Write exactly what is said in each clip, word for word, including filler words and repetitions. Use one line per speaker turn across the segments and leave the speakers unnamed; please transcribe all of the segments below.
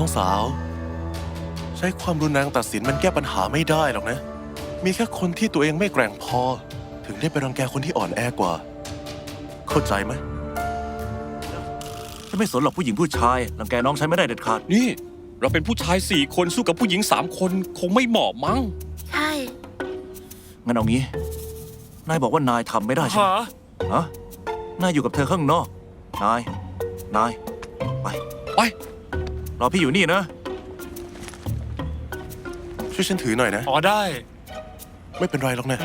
องสาวใช้ความรุนแรงตัดสินมันแก้ปัญหาไม่ได้หรอกนะมีแค่คนที่ตัวเองไม่แกร่งพอถึงได้ไปรังแกคนที่อ่อนแอกว่า เข้าใจไหม
ฉันไม่สนหรอกผู้หญิงผู้ชายรังแกน้องฉันไม่ได้เด็ดขาด
นี่เราเป็นผู้ชายสี่คนสู้กับผู้หญิงสามคนคงไม่เหมาะมั้ง
ใช่
งั้นเอางี้ นายบอกว่านายทำไม่ได้ใช่ไหม
ฮะ
ฮะนายอยู่กับเธอข้างนอก นาย นาย ไป
ไป
รอพี่อยู่นี่นะ
ช่วยฉันถือหน่อยนะ
อ๋อได้
ไม่เป็นไรหรอกนะ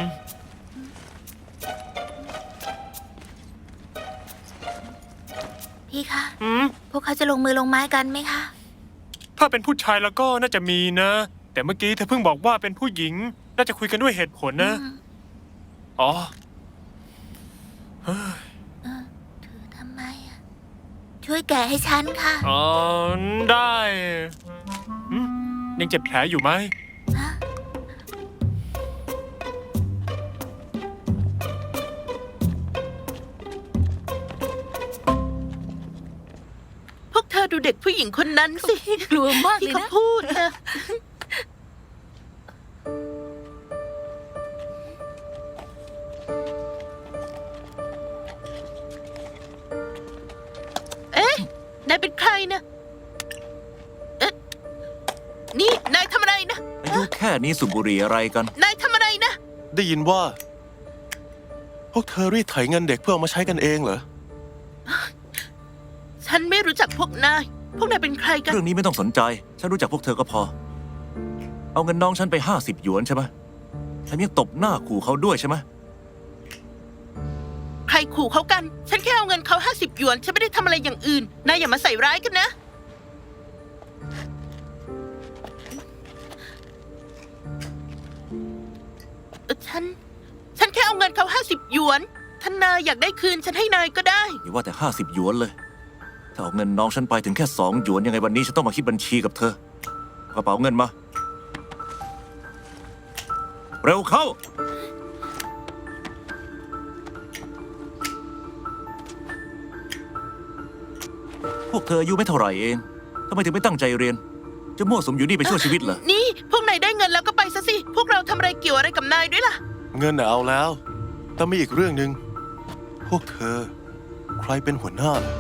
พี่คะ
อืม
พวกเขาจะลงมือลงไม้กันไหมคะ
ถ้าเป็นผู้ชายแล้วก็น่าจะมีนะ แต่เมื่อกี้เธอเพิ่งบอกว่าเป็นผู้หญิง น่าจะคุยกันด้วยเหตุผลนะ
อืม
อ๋อ
เออถือทำไมอ่ะ ช่วยแกะให้ฉันค่ะ
อ๋อ ได้อืมยังเจ็บแผลอยู่ไหม
ฮะ
พวกเธอดูเด็กผู้หญิงคนนั้นสิ
กลัวมาก
ที่
เลย
เขา
นะ
พูดนะเอ๊ะ นายเป็นใครนะเอ๊ะ นี่ นายทำอะไรนะ
อายุแค่นี้สูบบุหรี่อะไรกัน
นายทำอะไรนะ
ได้ยินว่า พวกเธอรีดไถเงินเด็กเพื่อเอามาใช้กันเองเหรอ
ฉันไม่รู้จักพวกนาย พวกนายเป็นใครกัน
เรื่องนี้ไม่ต้องสนใจ ฉันรู้จักพวกเธอก็พอ เอาเงินน้องฉันไปห้าสิบหยวนใช่ไหมแถมยังตบหน้าขู่เขาด้วยใช่ไหม
ใครขู่เขากัน ฉันแค่เอาเงินเขาห้าสิบหยวน ฉันไม่ได้ทำอะไรอย่างอื่น นายอย่ามาใส่ร้ายกันนะ เอ่อฉัน ฉันแค่เอาเงินเขาห้าสิบหยวน ท่านนายอยากได้คืน ฉันให้นายก็ได้
อย่าว่าแต่ห้าสิบหยวนเลย ถ้าเอาเงินน้องฉันไปถึงแค่สองหยวนยังไงวันนี้ฉันต้องมาคิดบัญชีกับเธอกระเป๋าเงินมา เร็วเข้า พวกเธออายุไม่เท่าไหร่เองทำไมถึงไม่ตั้งใจเรียน จะมั่วสุมอยู่นี่ไปชั่วชีวิตเหรอ
นี่ พวกนายได้เงินแล้วก็ไปซะสิ พวกเราทำอะไรเกี่ยวอะไรกับนายด้วยล่ะ
เงินน่ะเอาแล้ว แต่มีอีกเรื่องหนึ่งพวกเธอ ใครเป็นหัวหน้าล่ะ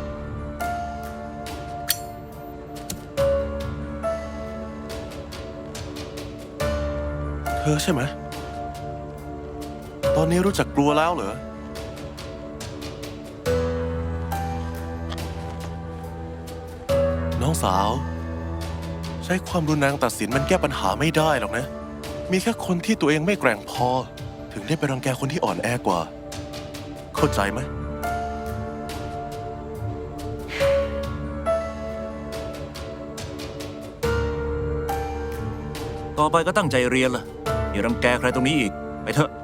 เธอใช่ไหม ตอนนี้รู้จักกลัวแล้วเหรอ น้องสาว ใช้ความรุนแรงตัดสินมันแก้ปัญหาไม่ได้หรอกนะ มีแค่คนที่ตัวเองไม่แกร่งพอ ถึงได้ไปรังแกคนที่อ่อนแอกว่า เข้าใจไหม
ต่อไปก็ตั้งใจเรียนล่ะอย่ารังแกใครตรงนี้อีก ไปเถอะ